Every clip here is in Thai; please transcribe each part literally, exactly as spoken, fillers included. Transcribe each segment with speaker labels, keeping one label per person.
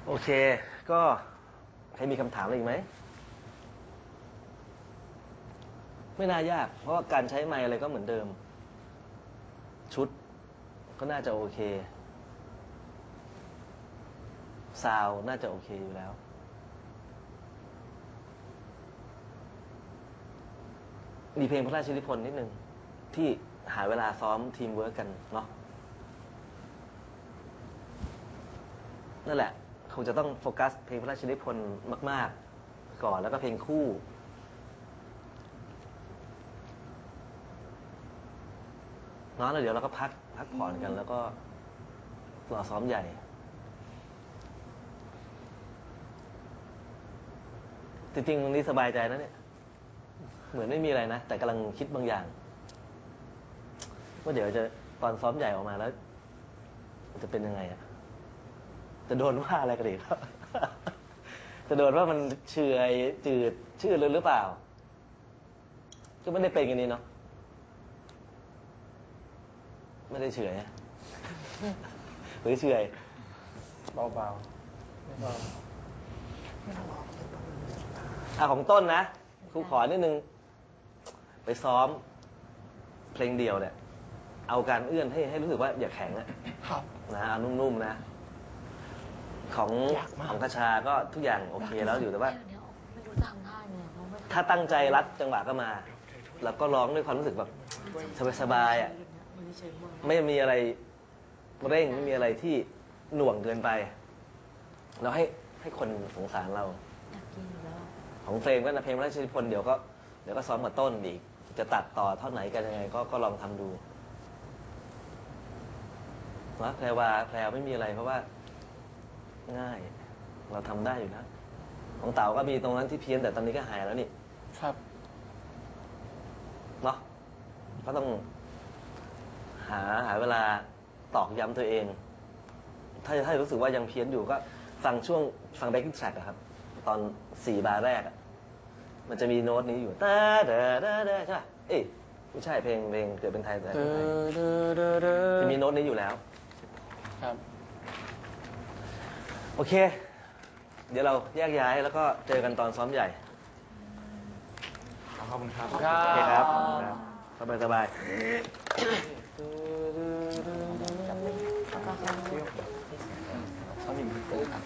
Speaker 1: โอเคก็ใครมีคำถามอะไรอีกไหมไม่น่ายากเพราะว่าการใช้ไมค์อะไรก็เหมือนเดิมชุดก็น่าจะโอเคซาวน่าจะโอเคอยู่แล้วมีเพลงพระราชนิพนธ์นิดนึงที่หาเวลาซ้อมทีมเวิร์กกันเนาะนั่นแหละคงจะต้องโฟกัสเพลงพระราชนิพนธ์มากๆก่อนแล้วก็เพลงคู่เนาะแล้วเดี๋ยวเราก็พักพักผ่อนกันแล้วก็รอซ้อมใหญ่จริงๆวันนี้สบายใจนะเนี่ยเหมือนไม่มีอะไรนะแต่กำลังคิดบางอย่างว่าเดี๋ยวจะตอนซ้อมใหญ่ออกมาแล้วจะเป็นยังไงอะจะโดนว่าอะไรกันอีกครับ จะโดนว่ามันเฉยจืดชื่อเลยหรือเปล่าก็ไม่ได้เป็นกันนี้เนาะไม่ได้เฉยหรือเฉยเบาๆเบาอ่ะของต้นนะครูขอนิดนึงไปซ้อมเพลงเดียวเนี่ยเอาการเอื้อนให้ให้รู้สึกว่าอย่าแข็งอะนะเอานุ่มๆนะของของกระชาก็ทุกอย่างโอเคแล้วอยู่แต่ว่าถ้าตั้งใจรัดจังหวะก็มาแล้วก็ร้องด้วยความรู้สึกแบบสบายๆอ่ะไม่มีอะไรเร่งไม่มีอะไรที่หน่วงเกินไปเราให้ให้คนสงสารเราของเพลงก็นะเพลงพระราชนิพนธ์เดี๋ยวก็เดี๋ยวก็ซ้อมกับต้นอีกจะตัดต่อเท่าไหนกันยังไงก็ก็ลองทำดูนะแพรวาแพรวไม่มีอะไรเพราะว่าง่ายเราทำได้อยู่แล้วของเต๋าก็มีตรงนั้นที่เพี้ยนแต่ตอนนี้ก็หายแล้วนี่ครับเนาะก็ต้องหาหาเวลาตอกย้ำตัวเองถ้าถ้ารู้สึกว่ายังเพี้ยนอยู่ก็ฟังช่วงฟังแบ็คกิ้งแทร็กครับตอนสี่บาร์แรกมันจะมีโน้ตนี้อยู่ตาเดาเดาเดาใช่ป่ะเอ้ยไม่ใช่เพลงเพลงเกิดเป็นไทยแต่เป็นไทยจะมีโน้ตนี้อยู่แล้วครับโอเคเดี๋ยวเราแยกย้ายแล้วก็เจอกันตอนซ้อมใหญ่ขอบคุณครับโอเคครับสบายสบายซ้อมอีกครับ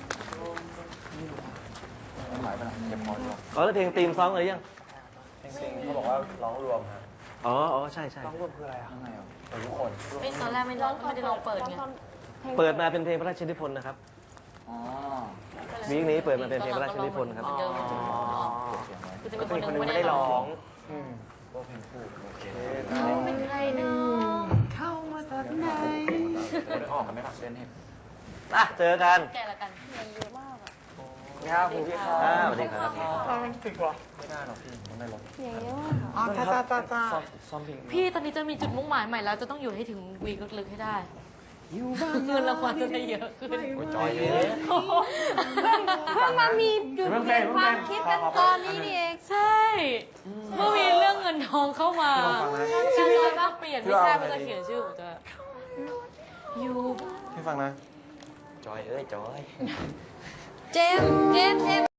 Speaker 1: หมายไปไหนเก็บพอดีอ๋อแล้วเพลงธีมซ้อมอะไรยังเพลงธีมเขาบอกว่าร้องรวมครับอ๋ออ๋อใช่ใช่ร้องรวมคืออะไรข้างในอ่ะทุกคนไม่ตอนแรกไม่ร้องไม่ได้ลองเปิดไงเปิดมาเป็นเพลงพระราชนิพนธ์นะครับวีคนี้เปิดมาเป็นเพลงพระราชนิพนธ์ครับคือจะมีคนหนึ่งไม่ได้ร้องก็เพลงคู่โอเคเป็นใครเนาะเข้ามาตอนไหนออกกันไหมครับเล่นให้อ่ะเจอกันแกละกันเงินเยอะมากอ่ะครับคุณพี่ครับสวัสดีครับถึงวะไม่ได้หรอกพี่มันไม่ลดเสียงเยอะมากอ๋อจ้าจ้าจ้าจ้าพี่ตอนนี้จะมีจุดมุ่งหมายใหม่แล้วจะต้องอยู่ให้ถึงวีคลึกๆให้ได้เงินรางวัลจะได้เยอะขึ้นจอยเลยเพิ่งมามีจุดเปลี่ยนความคิดกันตอนนี้นี่เองใช่เมื่อมีเรื่องเงินทองเข้ามาชีวิตจะต้องเปลี่ยนไม่ใช่มันจะเขียนชื่อของจะอยู่พี่ฟังนะจอยเอ้ยจอยเจมเจมเจม